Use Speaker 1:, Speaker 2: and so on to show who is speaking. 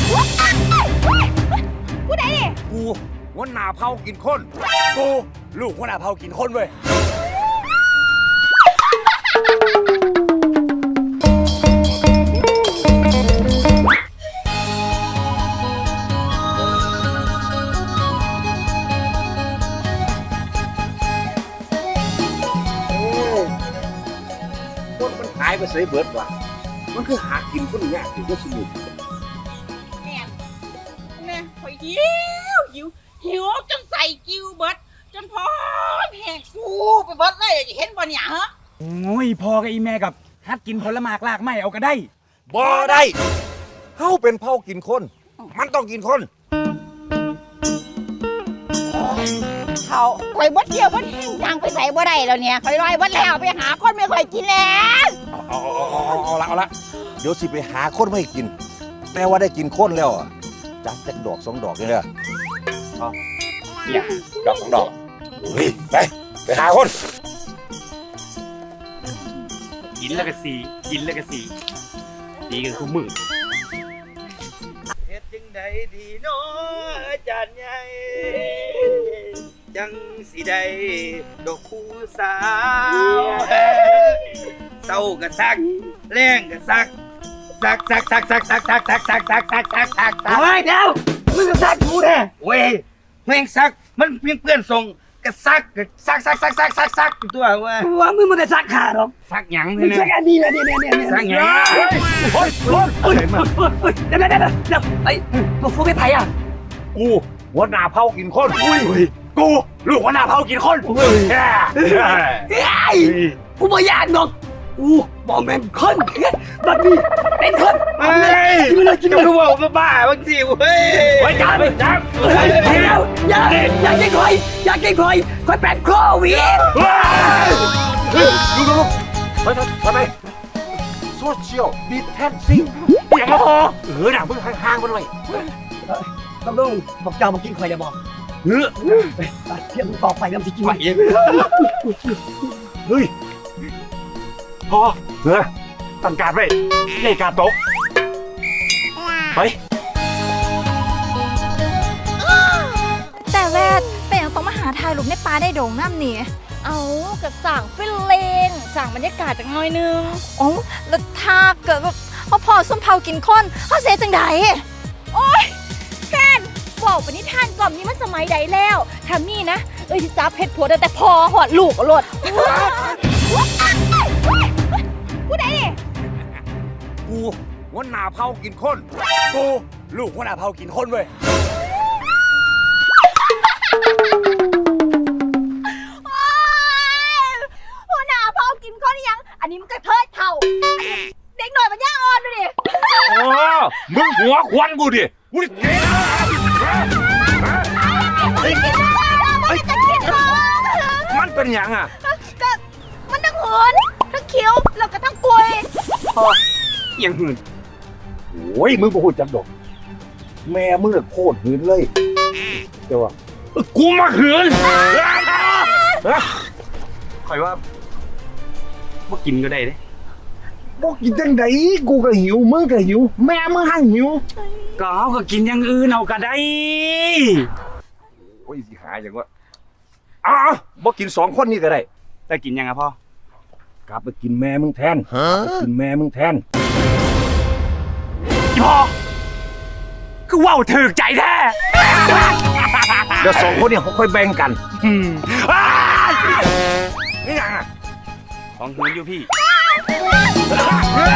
Speaker 1: ผู้ใดดิ
Speaker 2: กูหัวหน้าเผากินคนกูลูกหัวหน้าเผากินคนเว้ยคนมันหายไปเสียเบิดว่ะมันคือหากินคนยากถึงก็สนุก
Speaker 1: แม่ข่อยหิวจนใส่กิ้วเบิดจนพร้อมแหกฟูไปเบิดเลยเห็นบ่เนี่ยฮะ
Speaker 3: โอ้ยพอกับอีแม่กับฮัดกินผลไม้ลากไม้เอาก็ได้
Speaker 2: บ่ได้เฮาเป็นเผากินคนมันต้องกินคน
Speaker 1: เขาข่อยเบิดเดียวเบิดแห้งยังไปใส่บ่ได้แล้วเนี่ยข่อยลอยเบิดแล้วไปหาคนไม่ข่อยกินแล้ว
Speaker 2: เอาละเดี๋ยวสิไปหาคนมาให้กินแต่ว่าได้กินคนแล้วจัดจักดอก2 ดอกนี่แหละ
Speaker 3: เนี่ยดอก2 ดอก
Speaker 2: เฮ้ยไปหาคน
Speaker 3: กินแล้วก็สีกินแล้วก็สีดีกันคู่มือ
Speaker 4: เฮ็ดจังใดดีเนาะอาจารย์ใหญ่จังสิได้ดอกผู้สาวเศร้าก็ซักแรงก็ซักเฮ้ยเดี๋ยวมึงก็ซักกูแน่เว้ยแม่งซักมันเพื่อนส่งก็ซักตัวว่ามึงมันจะซักขาหรอซักหยังเนี่ยซักอันนี้นะเนี่ยซักหยังโอ๊ยเดี๋ยวไอ้ตัวฟูไม่ไปอ่ะ
Speaker 2: กูหัวหน้าเผากินคน
Speaker 3: กูลูกหัวหน้าเผากินคน
Speaker 4: กูไม่อยากหรอกกูบอกแม่งคนบัดนี้เป็นคนเฮ้ยกินกูบอกบ้าบางทีเฮ้ย
Speaker 3: ไว้จับ
Speaker 4: อย่ากินคอยแปดโควิด
Speaker 2: ดูไปโซเชียลดิสแทนซิ่ง
Speaker 3: อย่างพอ
Speaker 2: หนังมึงห่างๆมันเลย
Speaker 4: ต้องบอกเจ้ามากินคอยจะบอกเที่ยงต่อไปน้ำสิกิน
Speaker 2: เฮ้ย
Speaker 3: พอตั้งการไว้เล่การตกไป
Speaker 5: แต่แวดเป็นยังต้องมาหาถ่ายรูปในป่าได้โด่งน้ำนี่เอากับสั่งฟิลเลงสั่งบรรยากาศจากน้อยนึงอ๋อแล้วถ้าเกิดแบบพอส้มเผากินคนเขาเสียจังไดโอ๊ยแค่นบอกปณิธานกล่อมนี้มันสมัยใดแล้วทำนี่นะที่จับเพชรผัวแต่พอหอดลูกหลด
Speaker 1: ผู้ใดดิ
Speaker 2: กูหัวหน้าเผากินคนกูลูกหัวหน้าเผากินคนเว้ย
Speaker 1: หัวหน้าเผากินคนยังอันนี้มันกระเทยเท่าเด็กหน่อยมันย่าอ่อนดูดิ
Speaker 2: โอ้มึงหัวควันกูดิกูดิมันเป็นยังอ่ะ
Speaker 1: มันทั้งเหินทั้งเคี้ยวแล้วก็ทั้งกลวย
Speaker 3: ยังหืน
Speaker 2: โอ้ยมึงบ่พูดจังดอกแม่มึงโคตรหืนเลยเจ้าว่า
Speaker 3: กูมาหืนคอยว่าบ่กินก็ได้เด้
Speaker 2: บ่กินจังไดกูก็หิวมึงก็หิวแม่มึงหั่งหิว
Speaker 3: ก็เอาก็กินอย่างอื่นเอาก็ได้
Speaker 2: โอ้ยสิหาจังว่าบ่กิน2 คนนี่ก็ได้
Speaker 3: แต่กินยังอ่ะพ่
Speaker 2: อกลับไปกินแม่มึงแทนกินแม่มึงแทน
Speaker 3: พ่อคือว่าวถือใจแท้
Speaker 2: เดี๋ยว2 คนเนี่ยเขาค่อยแบ่งกัน
Speaker 3: นี่ยังอ่ะของหืนอยู่พี่